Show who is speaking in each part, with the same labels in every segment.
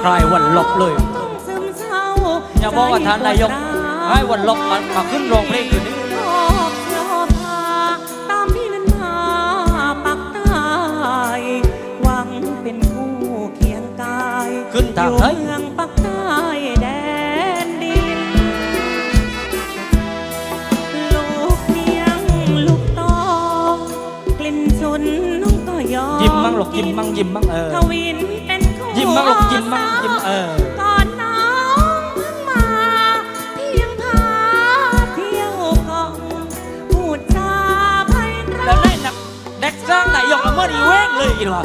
Speaker 1: คลายวันลบเลยอย่าบอกว่าท่านนายกให้วันลบมาขึ้นโรงเพลงคืนนี้
Speaker 2: ตามพี่นั้นมาปักใต้หวังเป็นคู่เคียงกาย
Speaker 1: ขึ้นทางไหน
Speaker 2: เมืองปักใต้แดนดินลูกเพียงลูกตองกลิ่นฉุนน้องก็ยอม
Speaker 1: ยิ้มมั่งหลกยิ้มมั่งยิ้มมั่ง
Speaker 2: ทวินเป็นคู่
Speaker 1: ยิ้มมั่งหลกยิ้มมั่งยิ้ม
Speaker 2: ก่อนน้องเพิ่งมาเพียงพาเที่ยวกองพูดจาไพเราะ
Speaker 1: แล้วได้หนักเด็กสร้างนายกละเมิดอีเว้งเลยอีหรอ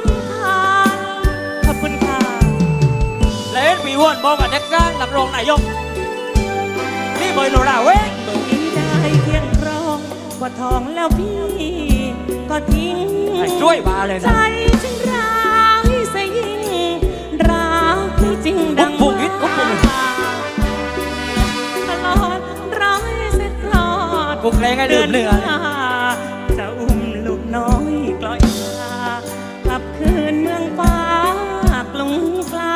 Speaker 2: ขอบคุณค่ะ
Speaker 1: แล้วเอ็นปีวนบอกว่าเด็กสร้างนักร้องนายกนี่เบยโนราเว้ง
Speaker 2: พี่ได้เพียงรองกว่าทองแล้วพี่ก็ทิ้ง
Speaker 1: ช่วยมาเลยนะ
Speaker 2: ใจจึงร้ายเสียยิ่งรักพี่จริงดังว่าตลอดร้อยเสร็จลอด
Speaker 1: กูแกล้งให้ดื่มเนื้อ
Speaker 2: จะอุ้มลูกน้อยกลอยมากลับคืนเมืองฟ้ากรุงไกล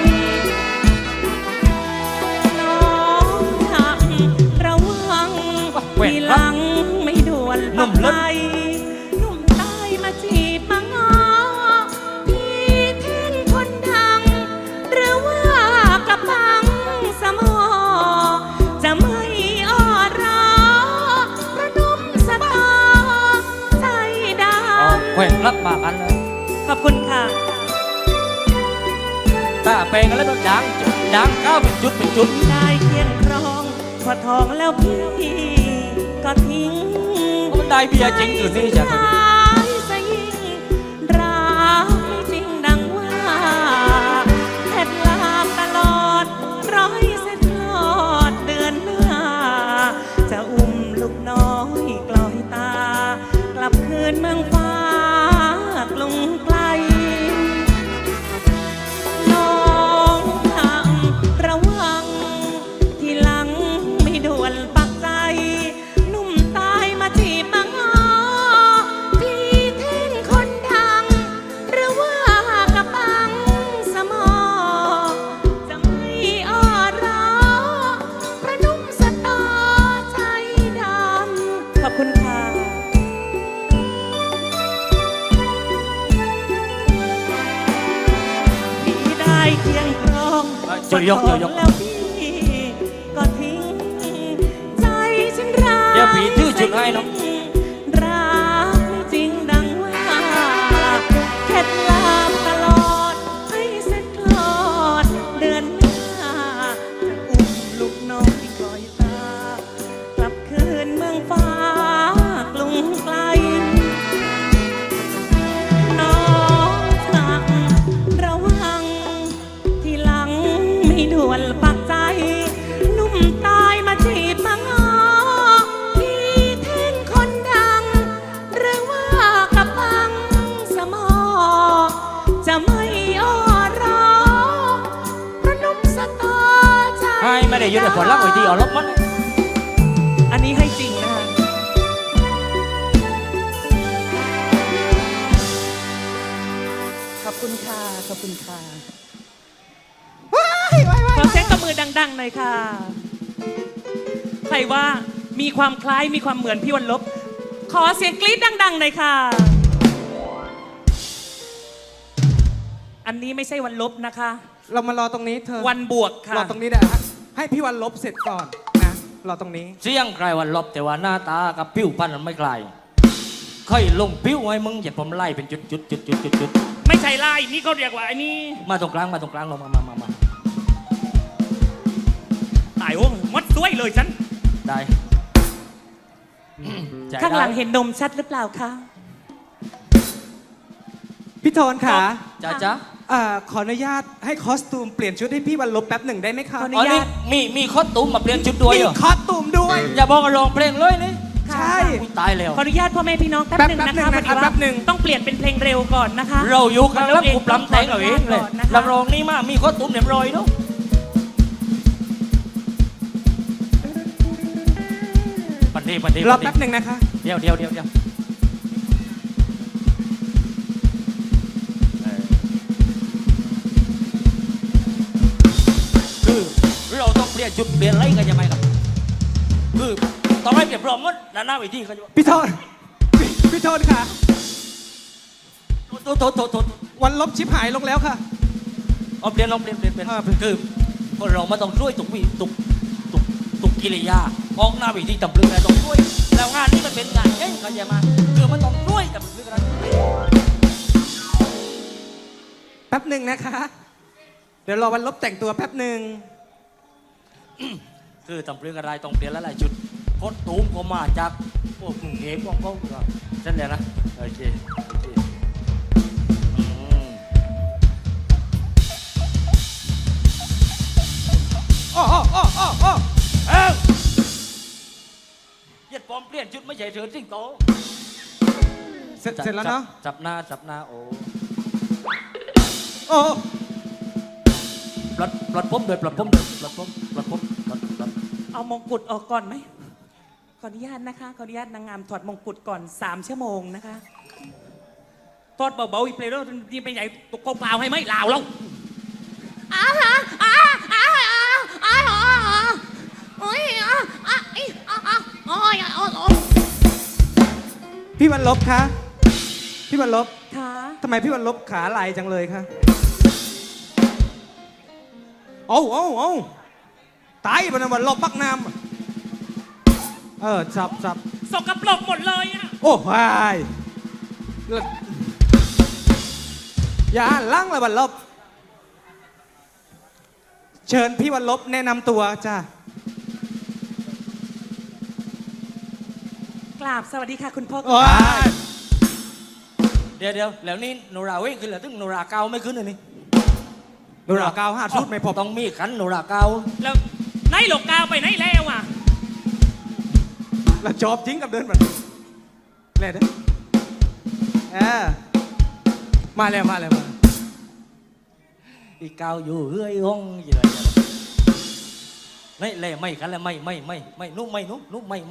Speaker 2: น้องทำระวังทีหลังไม่ด่วนปักไปหนุ่มใต้มาจีบมางอพี่เท่นคนดังหรือว่ากระปังสมอจะไม่อ้อรอประนมสตอใจดำ
Speaker 1: แขวนรับมากันเลย
Speaker 2: ขอบคุณค่ะ
Speaker 1: ตาแปลงแล้วก็ดังก้าวเป็นจุด
Speaker 2: ได้เคียงครองพอทองแล้วพี่ก็ทิ้ง
Speaker 1: มันได้เบียร์จริงอยู่นี่จ้ะ
Speaker 2: รักไม่จริงดังว่าแค่ลาตลอดร้อยเส้นลอดเดือนหน้าจะอุ้มลูกน้อยกลอยตากลับคืนเมืองฟ้ากรุงไกลน้องทำระวังทีหลังไม่ด่วนปักใจหนุ่มตายมาจีบมาง้อพี่เท่งคนดังหรือว่ากระปังสมอจะไม่อ้อรอประนุ่มสตอใจดำขอบคุณค่ะพี่ได้เคียงครองแล้วพี่ก็ทิ้งใจฉันรัก
Speaker 1: เดี๋ยวผีทื่อจุดให้น้อง
Speaker 2: รักไม่จริงดังว่าแค่ลาตลอดให้เสร็จคลอดเดือนหน้าจะอุ้มลูกน้อยกลอยตากลับคืนเมืองฟ้ากรุงไกลน้องสั่งระวังทีหลังไม่ด่วนปักใจหนุ่มตายมาจีบมาง้อพี่เท่นคนดังหรือว่ากระปังสมอจะไม่อ้อรอประนุ่มสตอใจ
Speaker 1: ให้ไม่ได้ยืนแต่ผลลัพธ์ไว้ที่เอาลบมัน
Speaker 2: อันนี้ให้จริงนะคะขอบคุณค่ะขอบคุณค่ะขอเสียงตบมือดังๆหน่อยค่ะใครว่ามีความคล้ายมีความเหมือนพี่วันลบขอเสียงกรี๊ดดังๆหน่อยค่ะอันนี้ไม่ใช่วันลบนะคะ
Speaker 3: เรามารอตรงนี้เธอ
Speaker 2: วันบวกค่ะ
Speaker 3: รอตรงนี้ได้ให้พี่วันลบเสร็จก่อนนะรอตรงนี้
Speaker 1: เสียงใครวันลบแต่ว่าหน้าตากับผิวพรรณมันไม่คล้ายค่อยลงผิวให้มึงอย่าผมไล่เป็นจุด
Speaker 2: ไม่ใช่ไล่นี่เขาเรียกว่าไอ้นี่
Speaker 1: มาตรงกลางลงมา
Speaker 2: ตายโอ้มดสวยเลยฉัน
Speaker 1: ได้
Speaker 2: ข้างหลังเห็นนมชัดหรือเปล่าคะ
Speaker 3: พี่โทนค่ะ
Speaker 1: จ๊ะ
Speaker 3: ขออนุญาตให้คอสตูมเปลี่ยนชุดให้พี่วันลบแป๊บหนึ่งได้ไหมคะ
Speaker 2: ขออนุญาต
Speaker 1: มีคอสตูมมาเปลี่ยนชุดด้วยเหรอ
Speaker 3: มีคอสตูมด้วย
Speaker 1: อย่าบอกว่าร้องเพลงเลยนี่
Speaker 3: ใช่
Speaker 1: ตายแล้ว
Speaker 2: ขออนุญาตพ่อแม่พี่น้องแป๊บหนึ่งนะคะพอดีว่าต้องเปลี่ยนเป็นเพลงเร็วก่อนนะคะ
Speaker 1: เราอยู่กันแล้วกูปล้ำแต่งเอาเองเลยนักร้องนี่มามีคอสตูมเรียบร้อยเนาะปันดี
Speaker 3: รอแป๊บหนึ่งนะคะ
Speaker 1: เดี๋ยวละจุดเปลี่ยนอะไรกันยังไงครับคือต้องให้เปลี่ยนพร้อมหมดด้านหน้าเวทีเขาจะ
Speaker 3: พี่โทนพี่โทนค่ะ
Speaker 1: โทษ
Speaker 3: วันลบชิบหายลงแล้วค่ะ
Speaker 1: เอาเปลี่ยนคือคนเราไม่ต้องช่วยตุกวิตุกกิริยาออกหน้าเวทีตำลึงอะไรต้องช่วยแล้วงานนี้มันเป็นงานเองเขาจะมาคือมันต้องช่วยตำลึงอะไร
Speaker 3: แป๊บหนึ่งนะคะ เดี๋ยวรอวันลบแต่งตัวแป๊บหนึ่ง
Speaker 1: คือตำลึงอะไรต้องเปลี่ยนหลายๆจุดโคตรตูมก็มาจากพวกกรุงเทพของเขาเช่นเดียวนะโอเคอืม
Speaker 3: โอ้
Speaker 1: เอ้าเย็ดปลอมเปลี่ยนชุดไม่ใช่เถิดสิงโต
Speaker 3: เสร็จแล้วเนาะ
Speaker 1: จับหน้าโอ้
Speaker 3: โอ้
Speaker 1: ปลดผมเลยปลดผม
Speaker 2: เอามงกุฎออกก่อนไหมขออนุญาตนะคะขออนุญาตนางงามถอดมงกุฎก่อน3 ชั่วโมงนะคะถอดเบาๆอีกเพลย์แล้วนี่ไปไหนตกกเปล่าให้ไหมลาวแล้ว
Speaker 3: พี่วันลบคะพี่วันลบ
Speaker 2: ค่ะ
Speaker 3: ทำไมพี่วันลบขาลายจังเลยคะโอ้ตายมันวันลบปักน้ำสับ
Speaker 2: สกปรกหมดเลยอะ
Speaker 3: โอ้วายอย่าอ่านล่างเลยวันลบ เชิญพี่วันลบแนะนำตัวจ้า
Speaker 2: กราบสวัสดีค่ะคุณพ่อ
Speaker 3: ว้าย
Speaker 1: เดี๋ยวแล้วนี่โนราเว้ยขึ้นแล้วถึงโนราเกาไม่ขึ้นเลยนี่
Speaker 3: ดูหล่อกาว5 ชุดไม่พอ
Speaker 1: ต้องมีขันโนราเกา
Speaker 2: แล้วไหนหลกกาวไปไหนแล้วอ่ะ
Speaker 3: แล้วจอบจริงกับเดินแบบเล่นเด้มาแล้ว
Speaker 1: อีเกาอยู่เฮ้ยห้องยี่ไรนี่เล่ไม่ขันแล้วไม่นุ่มไม่นุ่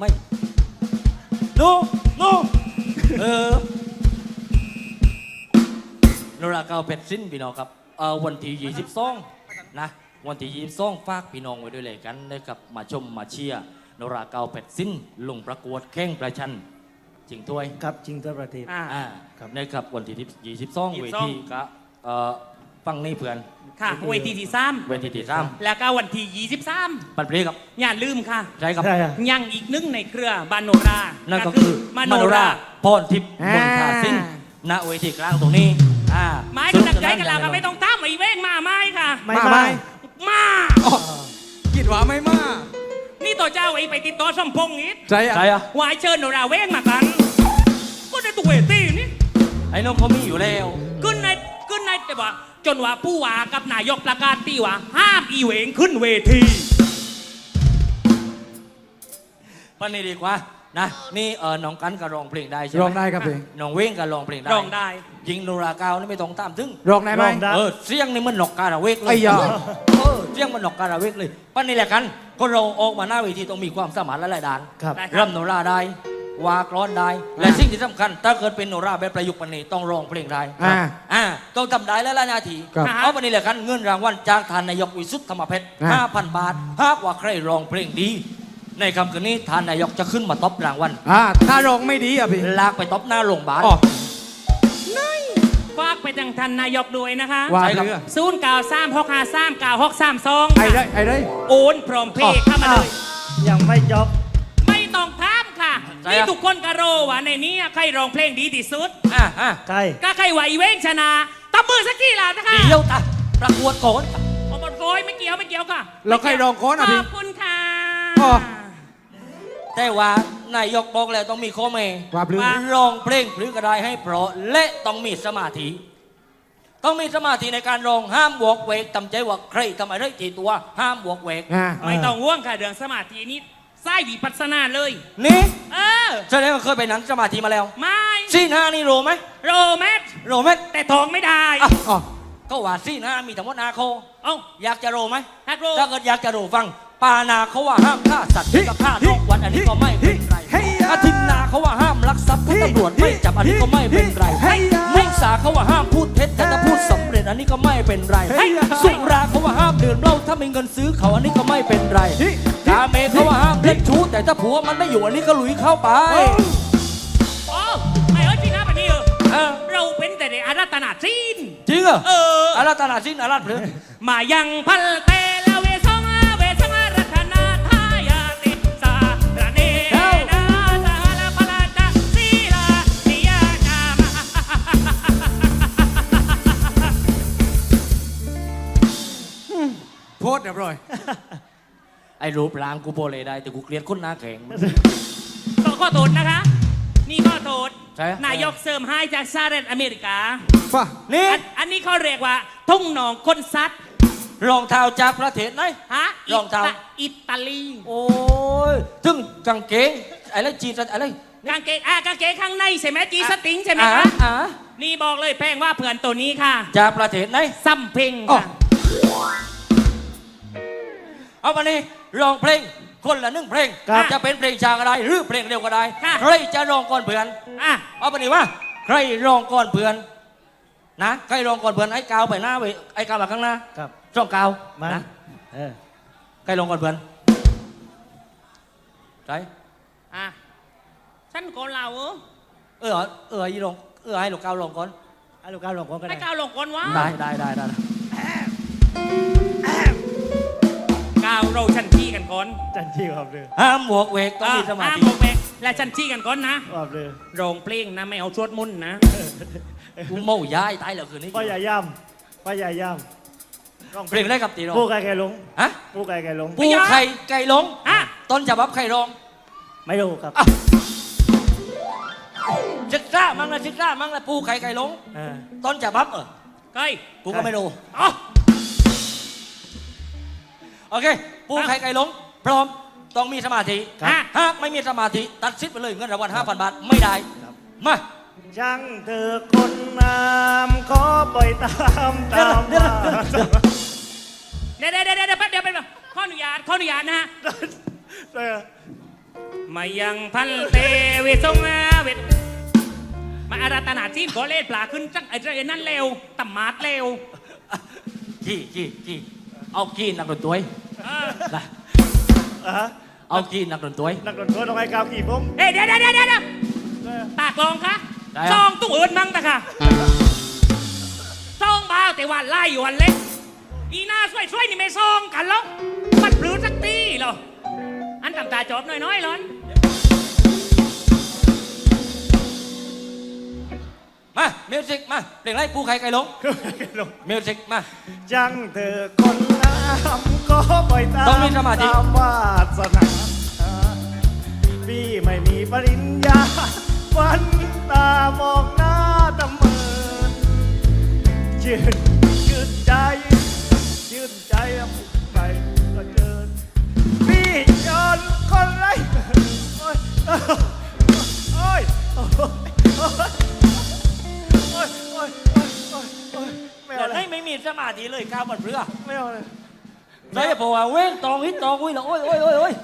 Speaker 1: โนราเกาเป็ดสิ้นพี่น้องครับวันที่22นะวันที่22ฝากพี่น้องไว้ด้วยเลยกันนะครับมาชมมาเชียร์โนราเกาเป็ดสิ้นลงประกวดแข่งประชันจริงถ้วย
Speaker 4: ครับจริงทั่วประเทศ
Speaker 1: นะครับวันที่22เวทีก็ฟังนี่เพื่อน
Speaker 2: ค่ะเวทีที่
Speaker 1: เวทีที่
Speaker 2: 3แล้วก็วันที่23
Speaker 1: ปันเพลครับ
Speaker 2: อย่าลืมค่ะ
Speaker 1: ใช่ครับ
Speaker 4: ใช่ครับ
Speaker 2: ยังอีกหนึ่งในเครือบานโนรา
Speaker 1: นั่นก็คือ
Speaker 2: ม
Speaker 1: ม
Speaker 2: โน
Speaker 1: โน
Speaker 2: รา
Speaker 1: ราพรทิพย์มนทาสินณเวทีกลางตรงนี้
Speaker 2: ไม้กันใจกันแล้วก็ไม่ต้องตามไอ้เว้งมาไม้ค่ะ
Speaker 4: ไม่
Speaker 2: มา
Speaker 3: คิดว่าไม่มา
Speaker 2: นี่ตัวเจ้าไอ้ไปติดต่อสมพงษ์นิด
Speaker 3: ใช่อะ
Speaker 1: ใช่อะ
Speaker 2: วายเชิญโนราเว้งมากันก็ได้ตัวเวทีนี่
Speaker 1: ไอ้น้องเขามีอยู่แล้ว
Speaker 2: ขึ้นในแต่ว่าจนว่าผู้ว่ากับนายกประกาศตีว่าห้ามอีเหวงขึ้นเวที
Speaker 1: ปันนี้ดีกว่านะนี่น้องกันก็ร้องเพลงได้ใช่ไหม
Speaker 3: ร้องได้ครับพี่
Speaker 1: น้องเว้งก็ร้องเพลงได้
Speaker 2: ร้องได้
Speaker 1: ยิงโนราเกานี่ไม่ต้องตามถึง
Speaker 3: ร้องได้ไหม
Speaker 4: ร้องได้
Speaker 1: เสียงนี่มันหนอกการะเวกเลย
Speaker 3: ไอ้ยา
Speaker 1: เสียงมันหนอกการะเวกเลยปันนี้แหละกันคนเราออกมาหน้าเวทีต้องมีความสามารถหลายๆด้าน
Speaker 4: ครับ
Speaker 2: ได้ครับ
Speaker 1: รำโนราได้วากรอนได้ และสิ่งที่สำคัญถ้าเกิดเป็นโนราแบบประยุกต์ปันนี้ต้องร้องเพลงได้ต้องทำได้และละนาที
Speaker 3: ครับ
Speaker 1: เอาปันนี้แหละกันเงินรางวัลจากทานนายกวิสุทธิ์ธรรมเพชร 5,000 บาทหากว่าใครร้องเพลงดี ในคำคืนนี้ทานนายกจะขึ้นมาตบรางวัล
Speaker 3: ถ้าร้องไม่ดีอ่ะพี่
Speaker 1: ลากไปตบหน้าโรงพยาบาล
Speaker 3: อ๋อ
Speaker 2: ฝากไปทางท่านนายกด้วยนะคะ
Speaker 3: ว่า
Speaker 1: ใช่ครับ
Speaker 3: เรือ
Speaker 2: 0936539632
Speaker 3: ไอ้ได้
Speaker 2: โอนพร้อมเพย์เข้ามาเลย
Speaker 4: ยังไม่จบ
Speaker 2: ไม่ต้องถามค่ะ นี่ทุกคนก็รู้ว่าในนี้ใครร้องเพลงดีที่สุด
Speaker 4: ใช่
Speaker 2: ก็ใครไหวเว้งชนะตบมือสักกี่ล่ะนะคะ
Speaker 1: เดี๋ยวตาประกวดก่อน
Speaker 2: โอ้บอลโฟยไม่เกี่ยวค่ะ
Speaker 3: แล้วใครร้องโค้นอ่ะ
Speaker 2: ข
Speaker 3: พี่
Speaker 2: อบคุณค่ะ
Speaker 3: อ๋อ
Speaker 1: แต่ว่านายกบอกแล้วต้องมีข้อแม้
Speaker 3: ว่าพลือ
Speaker 1: ร้องเพลงพลือกระไดให้เพราะและต้องมีสมาธิ ต้องมีสมาธิในการร้องห้ามบวกเวกตำใจว่าใครทำอะไรทีตัวห้ามบวกเวก
Speaker 2: ไม่ต้องห่วงค่ะเรื่องสมาธินี้ไส้วิปัสสนาเลย
Speaker 1: นี่
Speaker 2: เออ
Speaker 1: แสดงว่าเคยไปหนังสมาธิมาแล้ว
Speaker 2: ไม่
Speaker 1: ซีนห้านี่โรไหม
Speaker 2: โรแมท
Speaker 1: โรไหม
Speaker 2: แต่ทองไม่ได้
Speaker 3: อ๋อ
Speaker 1: ก็ว่าซีนห้ามีทั้งหมดนาโค
Speaker 2: เอ้า
Speaker 1: อยากจะโรไหม
Speaker 2: ฮักโร
Speaker 1: ถ้าเกิดอยากจะโรฟังปานาเขาว่าห้ามฆ่าสัตว์กับฆ่าทุกวันอันนี้ก็ไม่เป็นไร
Speaker 3: เฮ้ย
Speaker 1: อาทินนาเขาว่าห้ามลักทรัพย์ถ้าตำรวจไม่จับอันนี้ก็ไม่เป็นไร
Speaker 3: เฮ้ย
Speaker 1: มุสาเขาว่าห้ามพูดเท็จแต่ถ้าพูดสำเร็จอันนี้ก็ไม่เป็นไร
Speaker 3: เฮ้ย
Speaker 1: สุราเขาว่าห้ามดื่มเหล้าถ้ามีเงินซื้อเขาอันนี้ก็ไม่เป็นไรกาเมเขาว่าห้ามเล่นชู้แต่ถ้าผัวมันไม่อยู่อันนี้ก็หลุยเข้าไป
Speaker 2: โอ้ไม่เอ้ยจริงนะปะนี่
Speaker 1: เออ
Speaker 2: เราเป็นแต่ในอารัตนาจีน
Speaker 1: จริงเหรอ
Speaker 2: อา
Speaker 1: รัตนาสินอารัตเพล
Speaker 2: มายังพัลเตละเวสงรัตนาทายาติสาระเนนาสาลาพลาตาศีลานิยานามา
Speaker 3: โพสต์เรียบร้อย
Speaker 1: ไอ้รูปร่างกูโบเลยได้แต่กูเกลียดคนหน้าแข็ง
Speaker 2: ต้องข้อโทษนะคะ นี่ข้อโทษ
Speaker 1: ใช่
Speaker 2: นายกเสริมให้จากสหรัฐอเมริกา
Speaker 3: ป่ะ
Speaker 1: นี่
Speaker 2: อันนี้เขาเรียกว่า ทุ่งหนองคนซัด
Speaker 1: รองเท้าจากประเทศไหน
Speaker 2: ฮะ
Speaker 1: รองเท้า
Speaker 2: อิตาลี
Speaker 1: โอ้ยถึงกางเกงอะไรจีนอะไร
Speaker 2: กางเกงกางเกงข้างในใช่ไหมจีสติงใช่ไหม
Speaker 1: อ่า
Speaker 2: คะ
Speaker 1: อ่า
Speaker 2: นี่บอกเลยแพงว่าเผื่อนตัวนี้ค่ะ
Speaker 1: จากประเทศไหน
Speaker 2: ซัมเพ็ง
Speaker 1: อ๋อ
Speaker 2: ค่ะ
Speaker 1: เอามานี่ร้องเพลงคนละหนึ่งเพลง
Speaker 2: ครับ
Speaker 1: จะเป็นเพลงช้าก็ได้หรือเพลงเร็วก็ได้
Speaker 2: ค่ะ
Speaker 1: ใครจะร้องก่อนเพื่อน
Speaker 2: อ่ะ
Speaker 1: เอามานี่ว่าใครร้องก่อนเพื่อนนะใครร้องก่อนเพื่อนไอ้กาวไปหน้าไปไอ้กาวมาข้างหน้า
Speaker 4: ครับ
Speaker 1: ช่องกาว
Speaker 4: มา
Speaker 1: นะ
Speaker 4: เออ
Speaker 1: ใครร้องก่อนเพื่อนใคร
Speaker 2: อ่ะฉันก่อนเรา
Speaker 1: ให้ลงให้ลูกกาวร้องก่อน
Speaker 4: ให้ลูกก้าวลงก่อนก็
Speaker 2: ให้
Speaker 4: ได้
Speaker 2: ก้าวลงก่อนวะ
Speaker 1: ได้
Speaker 2: ก้าวเราชันที่กันก่อน
Speaker 4: จันที่ขอบเรือ
Speaker 1: ห้ามหมวกเวกต้องมีสมา
Speaker 2: อ่ะ
Speaker 1: ธิ
Speaker 2: บอกไปและชันที่กันก่อนนะ
Speaker 4: ขอบเรือ
Speaker 2: โรงเพลงนะไม่เอาชวดมุ่นนะ
Speaker 1: กูเมาย้ายตายแล้วคืนนี้
Speaker 4: พ่อใหญ่ย่ำพ่อใหญ่ย่ำร้อง
Speaker 1: เพลงได้กับตีร้อง
Speaker 4: ผู้ไก่ไก่ลง
Speaker 1: ฮะ
Speaker 4: ผู้ไก่ไก่ลง
Speaker 1: ปูไข่ไก่ลง
Speaker 2: อ่ะ
Speaker 1: ต้นฉบับไข่ร้อง
Speaker 4: ไม่รู้ครับ
Speaker 1: ศึกษามั่งนะศึกษามั่งนะปูไข่ไก่ลง
Speaker 4: เออ
Speaker 1: ต้นฉบับ
Speaker 2: เก้ย
Speaker 1: กูก็ไม่รู้
Speaker 2: อ๋อ
Speaker 1: โอเค ปูไข่ไก่ลง พร้อมต้องมีสมาธิ
Speaker 2: อ่ะ
Speaker 1: หากไม่มีสมาธิตัดสิทธิ์ไปเลยเงินรางวัล 5,000 บาทไม่ได้
Speaker 4: ครับ
Speaker 1: มา
Speaker 4: ช่างเธอคนงามขอปล่อยตามว่า
Speaker 2: เดี๋ยวแป๊บเดียวขออนุญาตนะฮะ
Speaker 4: เออ
Speaker 2: มายังพันเตเวสงเวทมาอาราตนาจีนก็เล่นปลาขึ้นจังไอ้เจ้านั่นเร็วตำมาดเร็ว
Speaker 1: ขี้เอาขี้นักดนตรี
Speaker 2: เออ
Speaker 1: นะ
Speaker 4: อ่ะฮะ
Speaker 1: เอาขี้นักดนตรี
Speaker 4: นักดนตรีต้องให้กาวกี่ผม
Speaker 2: เฮ้ยเดี๋ยวตากลองคะ
Speaker 1: ได้
Speaker 2: ซองตุ้งเอิญมั่งตะค่ะซองบ้าแต่วันไล่อยู่วันเล็กอีหน้าช่วยนี่ไม่ซองกันหรอกมันปลื้มสักตีเหรออันตำตาจอบน้อยๆหรอน
Speaker 1: มามิวสิกมาเพลงไรปูไข่ไก่ลง
Speaker 4: ลง
Speaker 1: มิวสิกมา
Speaker 4: จังเธอคนงามก็ปล่อยตาม
Speaker 1: ต้องมีสมาธิ
Speaker 4: ตามวาสนาพี่ไม่มีปริญญาฝันตามองหน้าตะเมินชื่นใจไปก็เกินพี่ยนคนไรโอ้ยโอ้ยไม่
Speaker 1: แต่
Speaker 4: เอาเล
Speaker 1: ให้
Speaker 4: ย
Speaker 1: ไม่มีสมาธิเลยก้าวบนเรือ
Speaker 4: ไม่เอาเลย
Speaker 1: ใช่พอว่าเว้งตองฮิตตองอุ้ยแล้วโอ้ย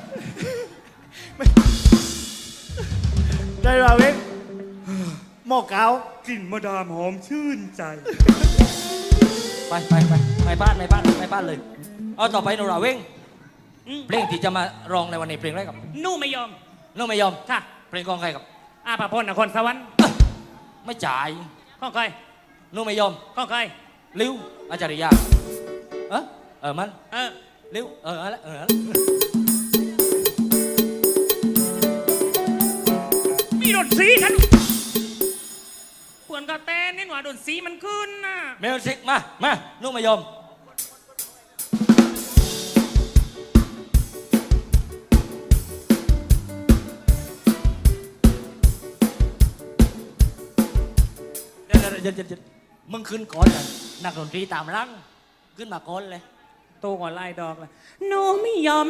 Speaker 4: ได้ราเว้งหม้อเกากลิ่นมะดามหอมชื่นใจ
Speaker 1: ไปบ้านเลย เอาต่อไปโนราเว้งเพลงที่จะมาร้องในวันนี้เพลงอะไรกับ
Speaker 2: นู่ไม่ยอม
Speaker 1: น้องไม่ยอม
Speaker 2: ค่ะ
Speaker 1: เพลงของใครกับ
Speaker 2: อาภาพรนครสวรรค์
Speaker 1: ไม่จ่าย
Speaker 2: ข้องใคร
Speaker 1: น้องไม่ยอม
Speaker 2: ข้องใคร
Speaker 1: ลิ้วอาจารยามัน
Speaker 2: เออ
Speaker 1: ลิ้วอะไร
Speaker 2: มีดนตรีกันปวนกระแตนนี่หว่าดนตรีมันขึ้นน่ะ
Speaker 1: มิวสิกมาน้องไม่ยอมเดี๋ยวมึงขึ้นก่อนเลยนักดนตรีตามรังขึ้นมาก่อนเลย
Speaker 2: โตก่อนไล่ดอกเลยหนูไม่ยอม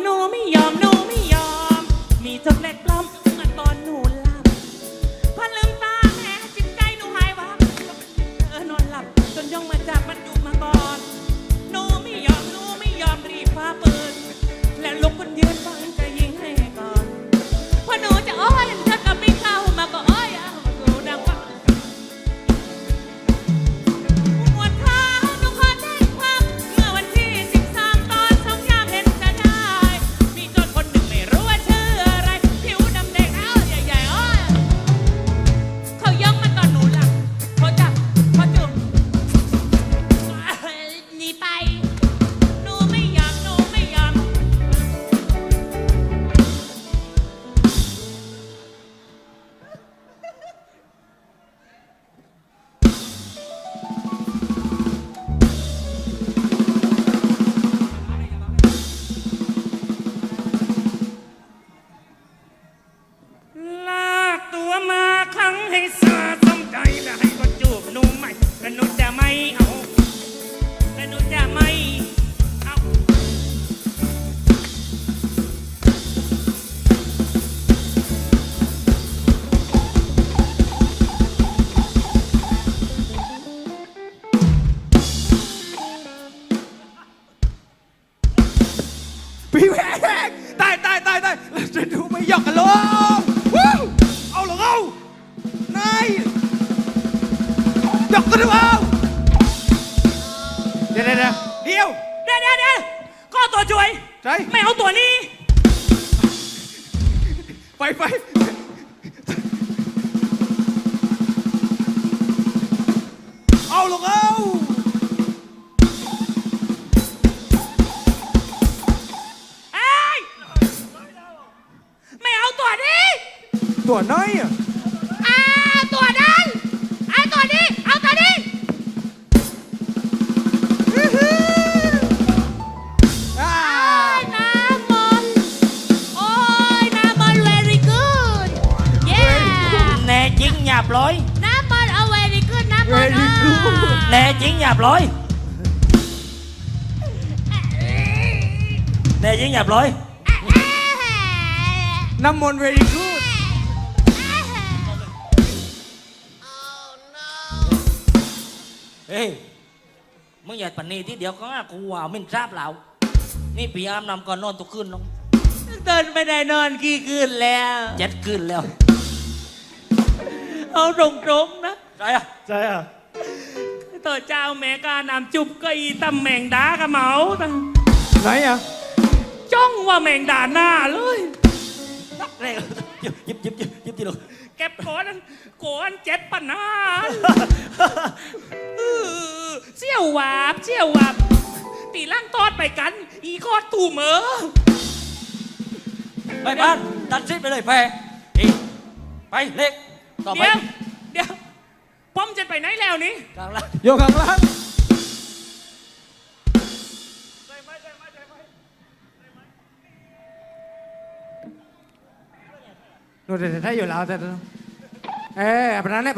Speaker 2: มีจดเล็กปลอมเมื่อตอนหนูหลับพอลืมตาแม่จิตใจหนูหายวับนอนหลับจนย่องมาจับมันอยู่มาก่อนหนูไม่ยอมรีบคว้าปืนและลุกขึ้นยืนฟังจะยิงให้ก่อนพอหนูจะอ้อยเธอก็ไม่เข้ามาก็อ้อยเอามากูดังฟัง
Speaker 3: ยกตัวดูเอาเดี๋ยวเดี๋ยวเดี๋ยว
Speaker 2: เดี๋ยวก็ตัวช่วย
Speaker 3: ใช่
Speaker 2: ไม่เอาตัวนี้
Speaker 3: ไปเอาลงเอา
Speaker 2: เอ้ยไม่เอาตัวนี้
Speaker 3: ตัวน้อยอ่ะ
Speaker 2: ตัวนั้นเอาตัวนี้เอาตัวนี้
Speaker 3: อ่า
Speaker 2: น้ำมันโอ้ยน้ำมัน very good yeah
Speaker 1: แน่จริงหยาบร้อย
Speaker 2: น้ำมันเอา very good น้ำมัน
Speaker 3: very good
Speaker 1: แน่จริงหยาบร้อยแน่จริงหยาบร้อย
Speaker 3: น้ำมนต์ very good
Speaker 1: เฮ้ยมึงอย่าปันนี้ที่เดียวก็ง่ากูว่ามินทราบแล้วนี่ปีอามนำก่อนนอนทุกคืนน้อง
Speaker 2: เดินไม่ได้นอนกี่คืนแล้ว
Speaker 1: 7 คืนแล้ว
Speaker 2: เอาตรงๆนะ
Speaker 1: ใช่อะ
Speaker 4: ใช่อ่ะ
Speaker 2: ตัวเจ้าแม่กานำจุบก็อีตำแมงดากระเหมาตั้ง
Speaker 3: ไหนอ่ะ
Speaker 2: จ้องว่าแมงดาหน้าเลย
Speaker 1: เร็วยิบทีลูก
Speaker 2: เก็บโกนเจ็ดปันนาเสี่ยวหวาบตีล่างทอดไปกัน อีคอดตู่เหมอ
Speaker 1: ไปบ้านตัดซิปไปเลยแพ้อีไปเล็กต่อไป
Speaker 2: เดี๋ยวป้อมจะไปไหนแล้วนี่
Speaker 1: กลางล่าง
Speaker 3: โยกข้างล่างโน่นเดี๋ยวถ้าอยู่แล้วแต่ปะนั้นแหละ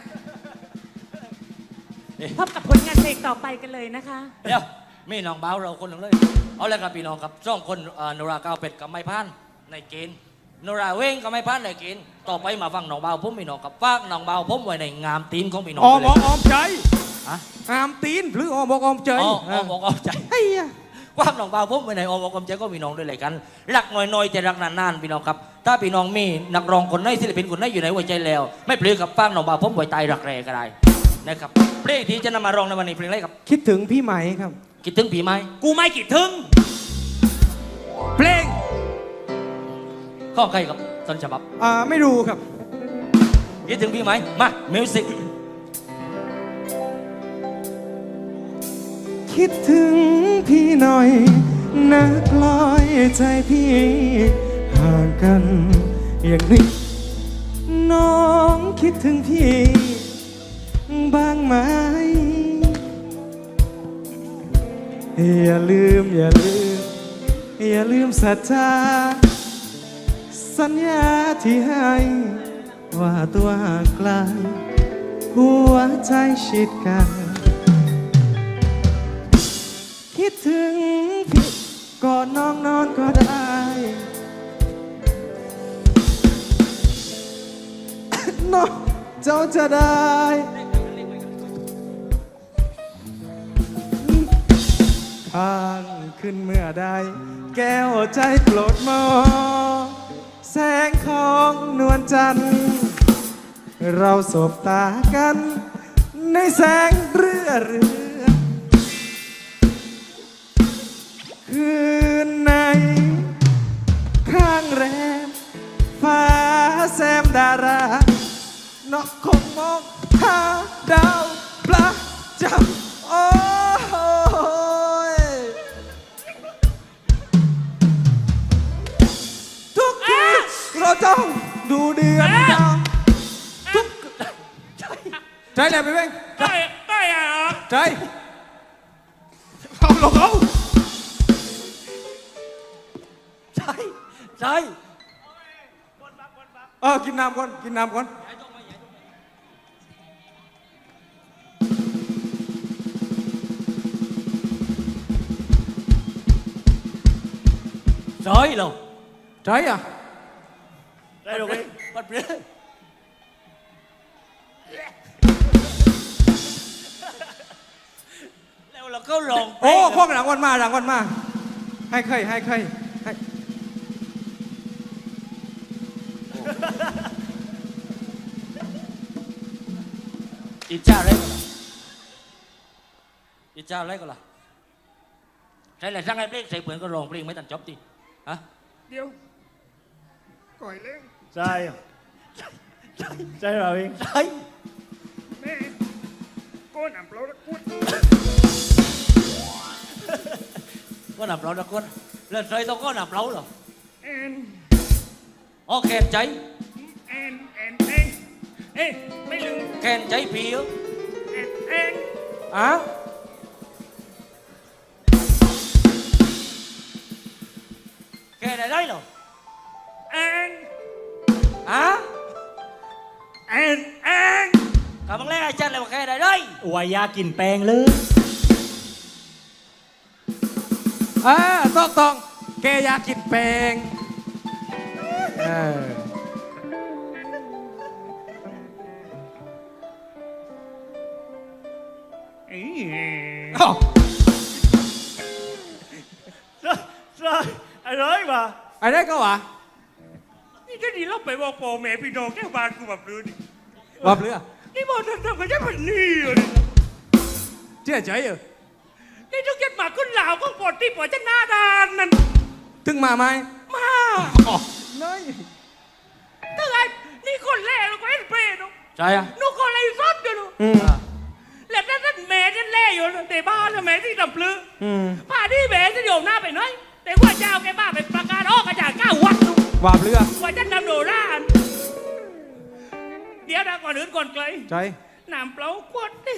Speaker 2: พบกับผลงานเพลงต่อไปกันเลยนะคะ
Speaker 1: เดี๋ยวมีน้องบ้าวเราคนหนึ่งเลยเอาเลยครับพี่น้องครับสองคนนราก้าวเป็ดกับไม้พานในเกณฑ์นราเว้งกับไม้พานในเกณฑ์ต่อไปมาฟังน้องบ้าวผมพี่น้องกับฝากน้องบ้าวผมไว้ในงามตีนของพี่น้อง
Speaker 3: ออม
Speaker 1: เลย
Speaker 3: ออมใจ
Speaker 1: ฮะ
Speaker 3: อามตีนหรือออมออมใจ
Speaker 1: อ๋อบอกเอาใจ
Speaker 3: ไอ้ยะ
Speaker 1: กว้างน้องบ่าวผมไปไหนออกกำใจก็พี่น้องด้วยเลยกันรักน้อยๆแต่รักนานๆพี่น้องครับถ้าพี่น้องมีนักร้องคนไหนศิลปินคนไหนอยู่ในหัวใจแล้ว ไม่เปลือกับฟังน้องบ่าวผมไว้ตายรักแรก็ได้นะครับเพลงที่จะนำมาร้องในวันนี้เพลงอะไรครับ
Speaker 3: คิดถึงพี่ไหมครับ
Speaker 1: คิดถึงผีไหม
Speaker 2: กูไม่กี่ทึง
Speaker 3: เพลง
Speaker 1: ข้อใครครับต้นฉบับ
Speaker 3: ไม่รู้ครับ
Speaker 1: คิดถึงผีไหมมามิวสิก
Speaker 3: คิดถึงพี่หน่อยนักลอยใจพี่ห่างกันอย่างนี้น้องคิดถึงพี่บ้างไหมอย่าลืมสัจจาสัญญาที่ให้ว่าตัวห่างไกลหัวใจชิดกัน คิดถึงพี่ก่อนน้องนอนก็ได้ น้องเจ้าจะได้ข้างขึ้นเมื่อใดแก้วใจโปรดมองแสงของนวลจันทร์เราสบตากันในแสงเรือคืนในข้างแรมฟ้าแซมดารานกคงมองหาดาวปลาจับโอ้ยทุกทีเราต้องดูเดือนดาวทุกใจแหละไปเว้ง
Speaker 2: ได้อะ
Speaker 3: ใจเอาลงเอา
Speaker 1: ใช่ใช่
Speaker 3: กินน้ำก่อน
Speaker 1: ใช่เหรอ
Speaker 3: ใจอ่ะ
Speaker 1: ได้หรอกเลยปัดเปลือยแล้วเราก็ลองเพล
Speaker 3: โอ้
Speaker 1: ง
Speaker 3: พวกหลังวันมา ให้เคยให้
Speaker 1: อิจฉาเลยอีเจ้าอะไรก็ล่ะใช่แหละช่างไอ้เพลงใส่เปลือนก็ร้องเพลงไม่ตันจบดิฮะ
Speaker 5: เดี๋ยวก่อยเล่ง
Speaker 4: ใช่ใช่เราเอง
Speaker 1: ใช่
Speaker 5: แม่ก้นอ่ำเราแล้วกุ้น
Speaker 1: ก็หนับเรานะคนเล่นใส่ต้องก็หนับเราเหรอ
Speaker 5: แอน
Speaker 1: โอแคนใจ
Speaker 5: แอนเอ้ยไม่ลืม
Speaker 1: แคนใจผีเหรอ
Speaker 5: แอน
Speaker 3: อ่ะ
Speaker 1: แคนอะไรเหรอ
Speaker 5: แอน
Speaker 1: อ่ะ
Speaker 5: แอน
Speaker 1: กำลังแรกไอ้จันเลยว่าแคนอะไร
Speaker 4: วายากินแปลงเลย
Speaker 3: ต้องแกอยากกินแปลงเออ
Speaker 5: เอ้ย
Speaker 3: อ้าว
Speaker 4: ใช่อร่อยป่ะ
Speaker 3: ไอ้ได้ก็วะ
Speaker 5: นี่จะดีเราไปบอกพ่อแม่พี่น้องแก้วบ้านกูแบบนี้นี่
Speaker 3: วับเรือ
Speaker 5: นี่บอกทำกันได้แบบนี้เลย
Speaker 3: เชื่อใจเหรอ
Speaker 5: นี่ต้องยัดหมาขึ้นเหล่าก็ปวดที่ปวดจะหน้าดานนั่น
Speaker 3: ถึงมาไหม
Speaker 5: มา
Speaker 3: อ๋อเลย
Speaker 5: ถ้าไงนี่คนแรกเราก็เอ็นเปย์เนาะ
Speaker 1: ใช่อะ
Speaker 5: นูคนอะไรซดอยู่เนาะ
Speaker 3: อืม
Speaker 5: แล้วนั่นแม่นั่นแล่อยู่แต่บ้านแล้วแม่ที่ดำปลื้
Speaker 3: อืม
Speaker 5: ป่าที่แม่จะโยมหน้าไปหน้อย แต่ว่าเจ้าแกบ้าไปประกาศออกกระจายก้าวัดเนาะ
Speaker 3: วับเรือ
Speaker 5: ว่าจะนำโดราณเดี๋ยวนะก่อนอื่นก่อนไกล
Speaker 3: ใจ
Speaker 5: น้ำเปล่าขวดนี่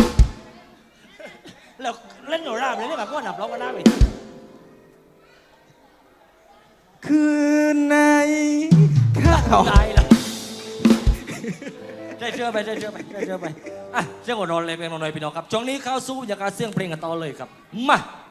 Speaker 1: แล้วเล่นโนราเลยนี่แบบก็หนับเราก็น่าไป
Speaker 3: คืนในข้าว
Speaker 1: ตายแล้วได้เชื่อไปได้เชื่อไปได้เชื่อไปอ่ะเสียงหัวนอนเลยเพลงนอนเลยพี่น้องครับช่วงนี้เข้าสู้บรรยากาศเสียงเพลงกันต่อเลยครับมา